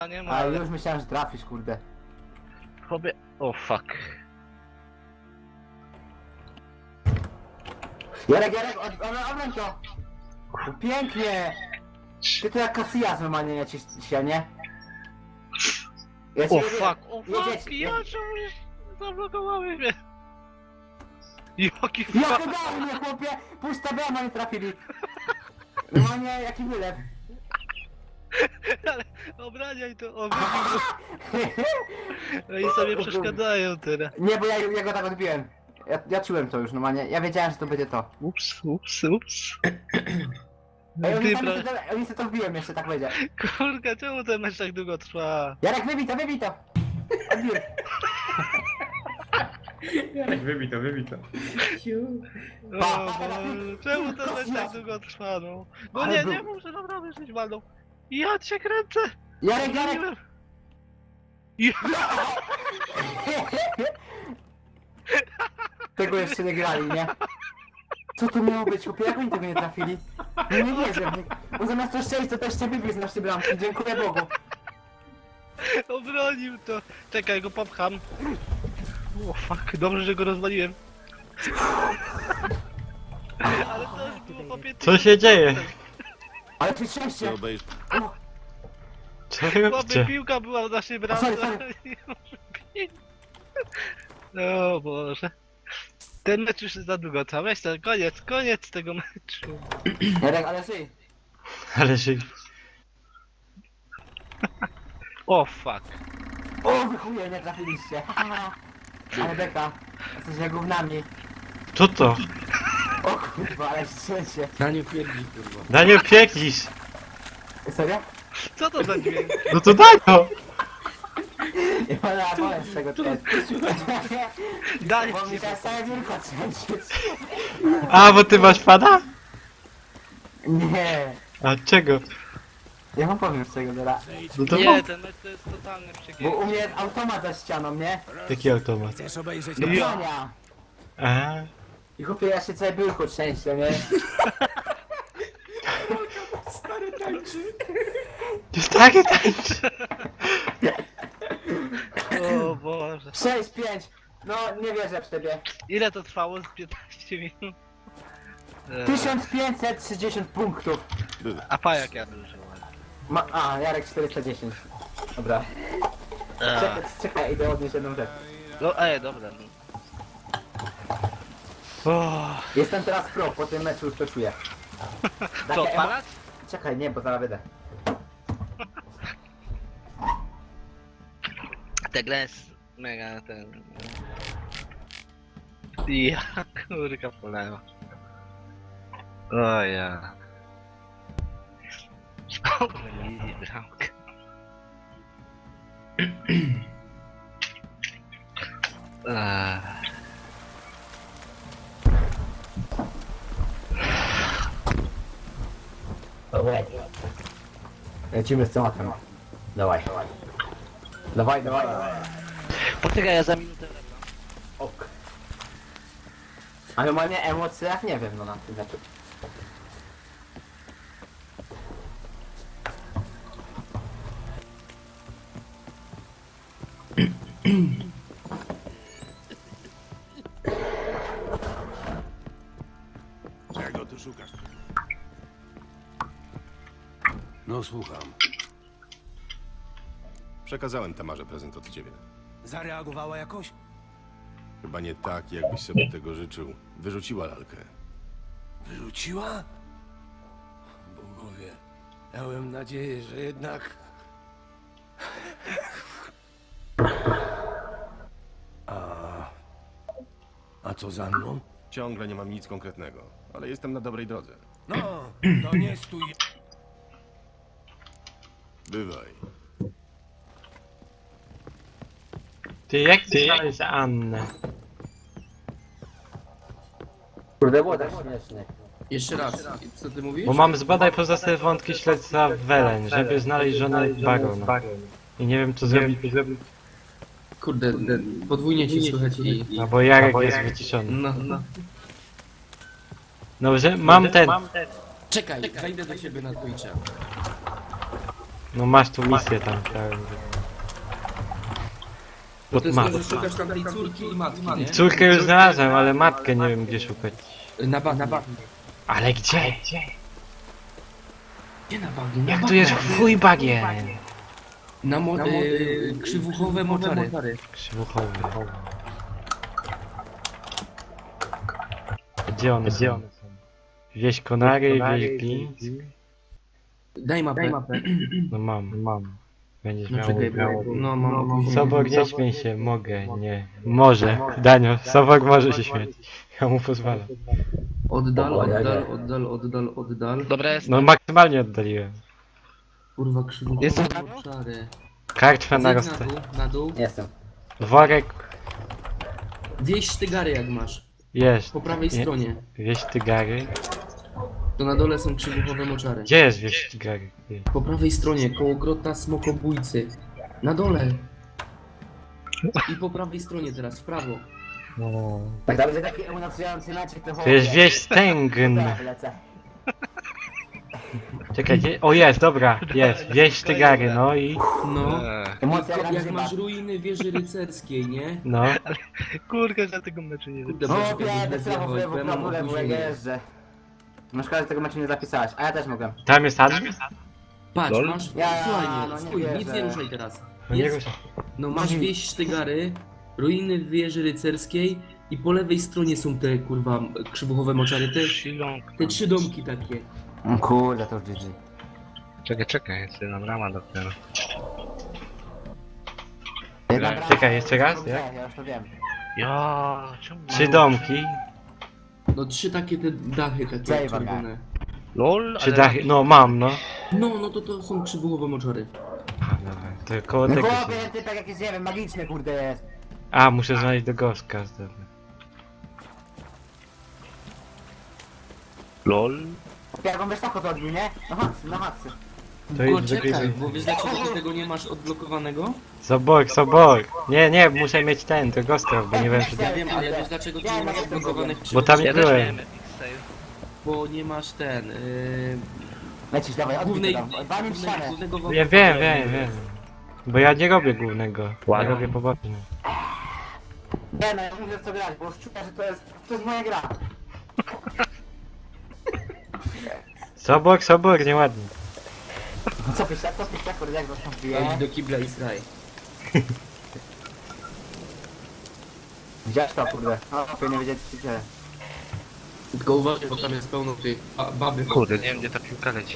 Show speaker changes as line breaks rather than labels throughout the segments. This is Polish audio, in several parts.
Nie ma,
A
ale...
już myślałem, że trafisz, kurde.
Chłopie... O, fuck.
Jarek, obrąć to! No pięknie! Ty to jak Casillas normalnie lecisz się, nie? Ja
O,
cię
fuck, o,
jedziesz,
fuck, ja czemu zablokowały mnie? Jaki
Ja
fuck?
wydało mnie, chłopie! Pusta brama nie trafili! Normalnie, jaki wylew.
Ale obraniaj to, o, wybił. No i sobie przeszkadzają teraz.
Nie, bo ja go tak odbiłem. Ja czułem to już normalnie, ja wiedziałem, że to będzie to.
Ups.
Ej,
Ty, pra...
oni sobie to wbiłem jeszcze, tak będzie.
Kurka, czemu ten mecz tak długo trwa?
Jarek, wybij to! Odbiłem.
Jarek, wybij to.
O, Boże, czemu ten mecz tak długo trwa, no? No
Ale
nie muszę naprawdę żyć walną. Ja cię kręcę!
Jarek!
Ja...
Tego jeszcze nie grali, nie? Co to miało być, chłopie? Jak oni tego nie trafili? No nie wierzę. Bo zamiast to szczęść, to też cię wybił z naszej bramki. Dziękuję Bogu.
Obronił to. Czekaj, go popcham. O fuck, dobrze, że go rozwaliłem. Ale to już było po 15.
Co się dzieje?
Ale ty szczęście.
Co wy
Chłopie,
robicie?
piłka była w naszej bramce.
sorry.
O Boże. Ten mecz już jest za długo, co? Weź to, koniec tego meczu.
Jarek, ale żyj.
Ale się...
O fuck.
O, wy chuje, nie trafiliście. Ale beka. Jesteście gównami.
Co to?
O kurwa, ale szczęście.
Daniel pierdzi, kurwa.
Daniel, pieklisz!
Serio?
Co to za dźwięk?
No to daj to!
Nie ma wolę z czego to jest.
Daj
Bo
ci
mi teraz całe biurko trzęsie.
A, bo ty masz pada?
Nie.
A czego?
Ja wam powiem z czego teraz.
No to
Nie, ten mecz to jest totalny
Bo
przegięcie.
u mnie jest automat za ścianą, nie?
Jaki automat?
Chcesz obejrzeć
Do
Ja.
grania.
A,
I chłopie, ja się całe biurko trzęsie, nie?
stary tańczy?
jest takie tańczy!
O Boże.
6-5. No, nie wierzę w ciebie.
Ile to trwało? Z 15 minut?
1530 punktów.
A pajak ja dużo.
A, Jarek 410. Dobra. Czekaj, idę odnieść jedną rzecz.
No, dobra. O,
Jestem teraz pro, po tym meczu już to czuję.
co,
Takie
odpalać?
Czekaj, nie, bo zaraz będę.
Ta gra jest mega ten... Ja kurka polewa. O ja. Spokojnie, bramkę.
Lecimy z tematem. Dawaj. Dawaj.
Poczekaj, ja za minutę wracam.
Ok. A normalnie emocje jak nie wiem, no na tym meczu.
Czego tu szukasz? No słucham.
Przekazałem Tamarze prezent od ciebie.
Zareagowała jakoś?
Chyba nie tak, jakbyś sobie tego życzył. Wyrzuciła lalkę.
Wyrzuciła? Bogowie, miałem nadzieję, że jednak... A co za mną?
Ciągle nie mam nic konkretnego, ale jestem na dobrej drodze.
No, to nie stój...
Bywaj.
Ty, jak ty znaleźć Annę?
Kurde, było tak śmiesznie.
Jeszcze raz, co ty mówisz?
Bo mam zbadaj pozostawione wątki śledztwa Welen, żeby znaleźć żonę Barona. I nie wiem co zrobić,
Kurde, podwójnie ci słychać i...
no bo Jarek jest wyciszony.
No.
Dobrze, mam ten.
Czekaj, zajdę do ciebie na Twitcha.
No masz tu misję tam, chciałem.
Bo to
Pod
jest to,
mapą.
że szukasz tam tej córki i matki, nie?
Córkę już znalazłem, ale matkę nie wiem gdzie szukać.
Na bagnie.
Ale gdzie?
Gdzie na bagnie?
Jak tu jest chuj bagien?
Na krzywuchowe moczary.
Krzywuchowy. Gdzie one są? Wieś Konary, wieś Glins?
Daj mapę.
No mam. Będziesz
No
miał...
czekaj, no mam.
Sobor, nie śmiej się, mogę, nie. Może, Danio, Sobor może się śmiać. Ja mu pozwalam.
Oddal.
Dobra, jest.
No maksymalnie oddaliłem.
Kurwa, krzywuchowe
Jestem.
moczary.
Kartwa na
Zejdź
rozte.
na dół.
Jestem.
Worek
Wieś Tygary jak masz.
jest.
Po prawej
Nie-
stronie.
Wieś Tygary.
To na dole są krzywuchowe moczary.
Gdzie jest wieś Tygary?
Po prawej stronie, koło grota smokobójcy. Na dole. I po prawej stronie teraz, w prawo.
Tak, to będzie taki emocjonujący mecz, jak to
To jest wieś Stęgn.
Lecę.
Czekaj, gdzie? O jest, dobra, jest. Wieś Tygary, no i...
No.
Emocja
Jak
jak
masz ruiny wieży rycerskiej, nie?
No.
Kurka, że tego meczu nie wiem.
Kurde,
No,
proszę,
biedny,
bez
prawo, w lewo,
mam
prawo, lewo, jak
opóźnienie.
jeżdżę. No szkoda, że tego meczu nie zapisałaś, a ja też mogłem.
Tam jest admin?
Patrz,
Lol.
masz...
Ja,
Słuchaj
no
mnie,
nie
spójrz, nic
wierzę.
nie ruszaj teraz.
No nie
Jest, no masz wieś Sztygary, ruiny wieży rycerskiej i po lewej stronie są te, kurwa, krzywuchowe moczary, te 3 domki takie.
Kurde, to już GG.
Czekaj, jeszcze nam rama dopiero.
Czekaj, jeszcze raz, jak?
Ja już to wiem.
Ja, czemu?
3 domki.
No 3 takie te dachy takie
Zajebane.
czerwone.
LOL,
3 dachy, no mam, no.
No to są krzywuchowe moczary.
A, dobra, to koło
No
tego
chłopie,
się...
ty tak jakieś, nie wiem, magiczne kurde jest.
A, muszę znaleźć do goska, dobra.
LOL.
Jak on wysoko to odbił, nie? Na haksy.
To
Bo
jest
czekaj,
wygryzł.
bo wiesz dlaczego ty tego nie masz odblokowanego?
Sobor. Nie, muszę mieć ten, do goska, bo nie wiem, czy...
Ja wiem, ale wiesz dlaczego ty nie masz odblokowanych
Bo tam
Ja
nie
też
byłem.
miałem Epic Sale.
Bo nie masz ten,
Lecisz, dawaj, odbij
głównej,
to tam. Walnij w ścianę.
głównego
Ja wiem. Bo ja nie robię głównego. Ja
Ładnie.
robię poboczny.
Nie no, ja muszę w to grać, bo już czuję, że to jest moja gra.
Sobor, nieładnie.
Co pisze, kurde, jak zastąpię.
Idź do kibla i sraj.
Widziałeś to, kurde. No, nie wiedzieć, co się dzieje.
Tylko uważaj, bo tam jest pełno tych baby.
Kurde, nie wiem gdzie ta piłka leci.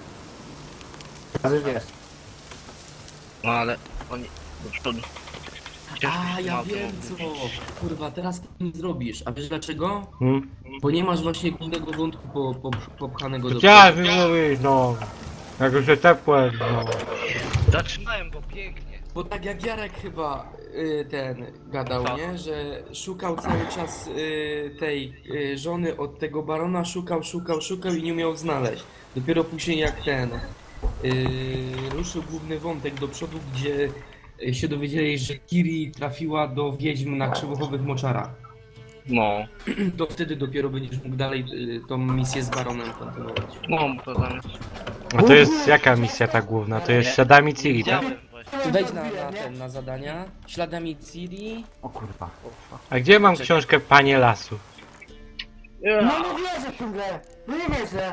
A już wiesz.
No ale oni... To...
A, ja wiem co. Kurwa, teraz tego nie zrobisz. A wiesz dlaczego?
Hmm?
Bo nie masz właśnie głównego wątku popchanego do
Chciałem mówić, no. Jak już jest ciepłe, no.
Zaczynałem go pięknie.
Bo tak jak Jarek chyba ten gadał, nie? Że szukał cały czas tej żony od tego barona, szukał i nie umiał znaleźć. Dopiero później jak ten ruszył główny wątek do przodu, gdzie się dowiedzieli, że Kiri trafiła do wiedźm na krzywuchowych moczarach.
No.
To wtedy dopiero będziesz mógł dalej tą misję z baronem kontynuować.
No, to zamiast...
A to jest jaka misja ta główna? To jest śladami Ciri, tak?
Widziałem właśnie.
Wejdź na zadania. Śladami Ciri.
O kurwa.
A gdzie mam książkę Panie Lasu?
No nie wierzę w tę grę! No nie wierzę!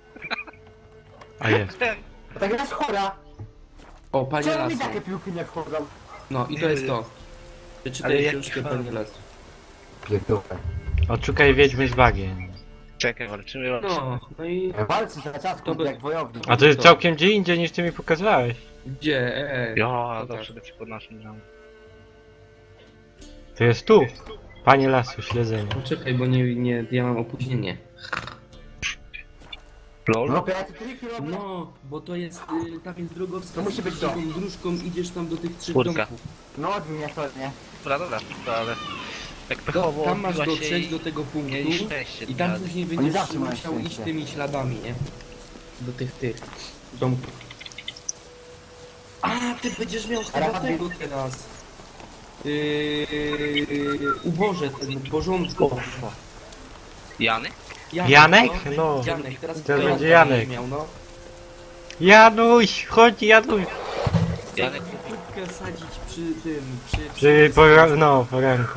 A jest.
Ta gra jest chora!
O, panie
Czemu mi
lasu.
takie piłki nie wchodzą?
No i to jest to.
Ale
Przeczytaj
jak
książkę
chwała.
panie lasu.
Pierdółkę.
Odszukaj wiedźmy z bagien.
Czekaj, walczymy o...
No i
Walczy za czas, kurde, jak wojownik.
A to jest całkiem gdzie indziej niż ty mi pokazywałeś.
gdzie?
Ja,
Pokaż.
zawsze leci pod naszym ramem.
To jest tu. Panie Lasu, śledzenie.
Poczekaj, bo ja mam opóźnienie.
LOL?
No ja tu triki robię.
No, bo to jest, tam jest drogowska.
To musi być to.
Taką dróżką idziesz tam do tych 3
Czwórka.
domków.
No odbił mnie to, nie?
Dobra, to ale... Jak pechowo
Tam masz
odbiła się
dotrzeć
i-
do tego punktu
Mieli szczęście.
i tam
tak.
później
Oni
będziesz
zawsze mają
musiał iść
szczęście.
tymi śladami, nie? Do tych domków. A, ty będziesz miał chyba
Ale-
tego teraz. Uboże, ten porządku.
Jany?
Janek? No.
Janek, teraz
Teraz
Janek
będzie Janek.
miał, no.
Januś, chodź Januś!
Janek,
Kubkę sadzić przy tym,
Przy poranku.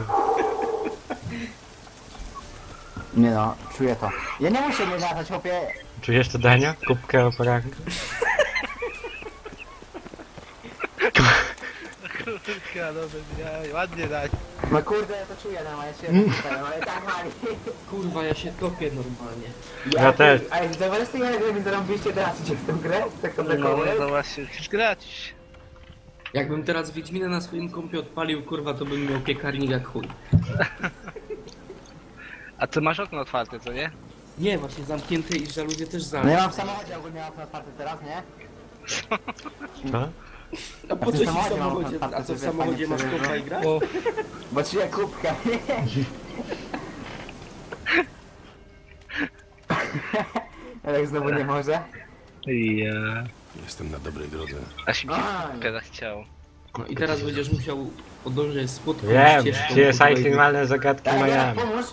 Nie no, czuję to. Ja nie muszę nie latać, chłopie.
Czujesz to Dania? Kubkę o poranku?
kurka, no bez ładnie dać.
No kurde, ja to czuję, no, ja się ale tak mali.
Kurwa, ja się topię normalnie.
Ja też.
A jak zauważysz tej grę, mi zarąbiliście teraz idzie w tę grę? Tak to
No właśnie, chcesz grać.
Jakbym teraz Wiedźmina na swoim kompie odpalił, kurwa, to bym miał piekarnik jak chuj.
A ty masz okno otwarte, co nie?
Nie, właśnie zamknięte i żaluzje też
No ja
zamknięte.
mam w samochodzie ogólnie okno otwarte teraz, nie?
Co?
A po co ci w
samochodzie mam
samochodzie?
otwarte,
A co w
żeby
samochodzie
panie
masz
sobie,
kompa i grać?
O,
Bo czuję kubkę. Ale znowu nie może.
ja.
Jestem na dobrej drodze.
Aż mi się
Aj.
kubkę zachciało.
No i teraz będziesz musiał podążać słodką
Wiem,
ścieżką.
CSI Finalne Zagadki
Tak,
Miami.
pomóż.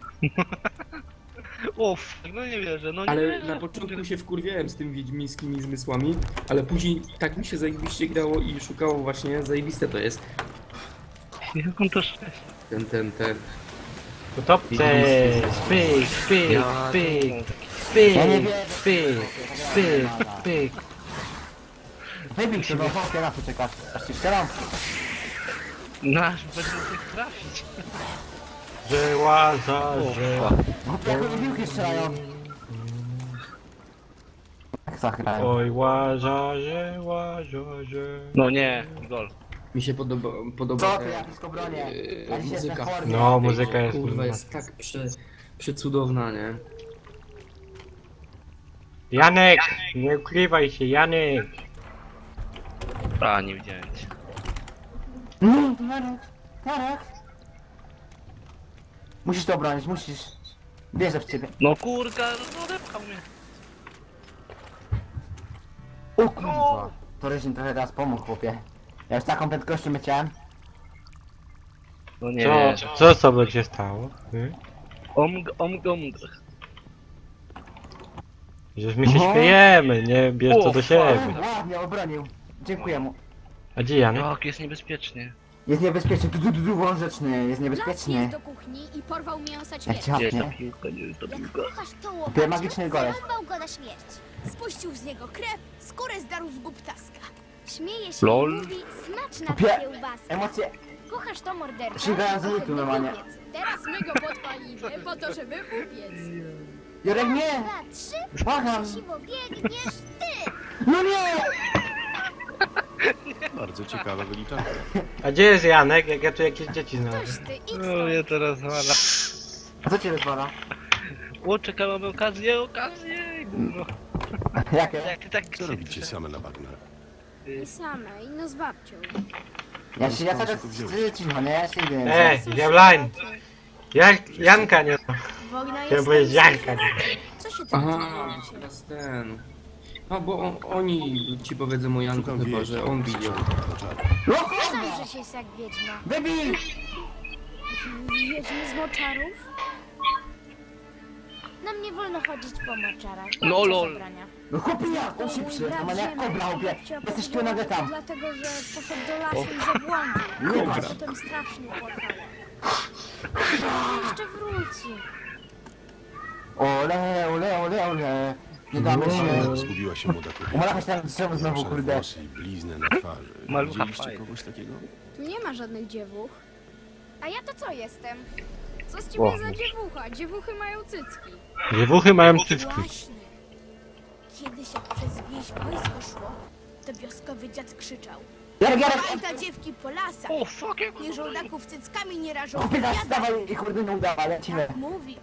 Uff, no nie wierzę, no nie
Ale
wierzę.
na początku się wkurwiałem z tym wiedźmińskimi zmysłami, ale później tak mi się zajebiście grało i szukało właśnie, zajebiste to jest.
Jak on to szczęście.
Ten.
Utopce! Pyk, pyk, pyk, pyk,
Ja nie wiem.
pyk, pyk, pyk.
Wybij się, bo chłopie na to czekasz. Aż ci strzelam.
No aż będę mógł trafić.
Żyła za żyła.
Chłopie, jak oni piłki strzelają. Tak zagrają.
Oj, łażarze, łażarze.
No nie, gol.
Mi się podoba
Co
te,
ty, ja blisko bronię. Ja dziś jestem
muzyka.
chory.
No, muzyka jest
Kurwa,
kurwa.
jest tak przecudowna, nie?
Janek! Nie ukrywaj się, Janek!
A, nie widziałem cię.
Tarek. Musisz to obronić, musisz. Wierzę w ciebie.
No kurka, no odepchał mnie.
O kurwa. To Ryżin trochę teraz pomógł, chłopie. Ja już taką prędkością leciałem.
No nie
Co,
wierzę.
co sobie się stało?
Omg.
Przecież my się
No.
śmiejemy, nie bierz to do
O,
siebie.
Ładnie obronił. Dziękuję mu.
A gdzie Janek?
Jak jest niebezpiecznie.
Jest niebezpieczny, wąż rzeczny, jest
Las
niebezpiecznie.
jest do kuchni i porwał mięsa
Jak
ćwierć.
cię
Nie jest to
hapnie.
piłka, nie jest to
Jak
piłka.
kochasz to
Ty
łopacie,
magiczny goleś.
zarąbał go na śmierć. Spuścił z niego krew, skórę zdarł z gub ptaska. Śmieje się
Lol.
i mówi, smaczna
Pie-
ta kiełbaska.
Emocje.
Kochasz to morderca?
Sięgałem za
Trochę
lutu normalnie.
wykupiec. Teraz my go podpalimy po to, żeby upiec.
Jurek, nie!
2, 3,
Błagam!
siwo biegniesz ty!
No nie!
Bardzo ciekawa wyliczanka.
A gdzie jest Janek, jak ja tu jakieś dzieci
Toś
znalazłem?
ty, idź
No
stąd.
mnie teraz wala.
A co cię rozwala?
O, czekałem okazję, gówno.
Jakie?
Jak ty tak
Co robicie same na bagnach?
I samej, no z babcią.
Ja cały czas cicho, nie? Ja się nie wiem.
Diabline! Janka nie ma.
Wojna
Chciałem
jest
powiedzieć
tam
Janka. nie.
Co się tak
Aha,
dzieje?
teraz ten. No bo oni ci powiedzą o Janku
Szukam
chyba,
wieści.
że on widział.
No
Sam
kurwa!
że jest jak wiedźma.
Wybij!
Wiedźmy z moczarów? Nam nie wolno chodzić po moczarach.
No
Babcia
lol.
zabrania.
No chłopie, jak on się
Mój
przy,
brat
normalnie jak
Ziemek
kobra, chłopie.
babcia
Jesteś tu
powiedziała,
nagle
że
tam.
Dlatego, że poszedł do lasu i zabłądził.
Kobra.
A potem strasznie płakała. Jeszcze wróci.
Ole, ole, ole, ole. Nie damy się.
Zgubiła się młoda kobieta.
Umarła się tam drzewo znowu,
Szare
kurde.
włosy i bliznę na twarzy.
Malucha
Widzieliście
fajna.
kogoś takiego?
Tu nie ma żadnych dziewuch. A ja to co jestem? Co z
O.
ciebie za dziewucha? Dziewuchy mają cycki.
Dziewuchy mają cycki.
Właśnie. Kiedyś jak przez wieś wojsko szło, to wioskowy dziad krzyczał.
Jarek!
Bajta dziewki po lasach.
O, fuck, jak
Nie żołdaków cyckami nie rażą.
Chłopie, zaraz
Biada.
dawaj i kurde nie udawa, lecimy.
Tak mówi.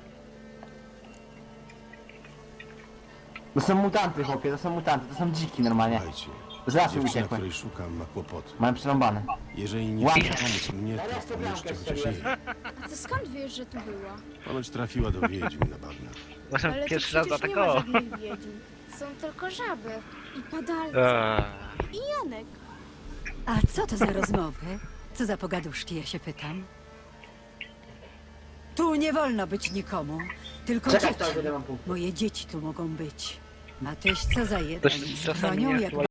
To są mutanty, chłopie, to są mutanty, to są dziki normalnie.
Słuchajcie,
Z lasu
dziewczyna,
uciekły.
której szukam, ma kłopoty.
Mają przerąbane.
Jeżeli nie
Ładnie.
chce pomóc mnie, to pomóżcie chociaż jej.
A ty skąd wiesz, że tu była?
Ponoć trafiła do wiedźm na bagnach.
Właśnie
Ale tu
pierwszy raz
przecież nie ma
zaatakował.
żadnych wiedźm. Są tylko żaby i padalce. I Janek.
A co to za rozmowy? Co za pogaduszki, ja się pytam. Tu nie wolno być nikomu, tylko
Czekaj,
dzieci.
to ile mam punktów.
Moje dzieci tu mogą być. A tyś co za jeden?
Też
Z
czasami
bronią
nie
jak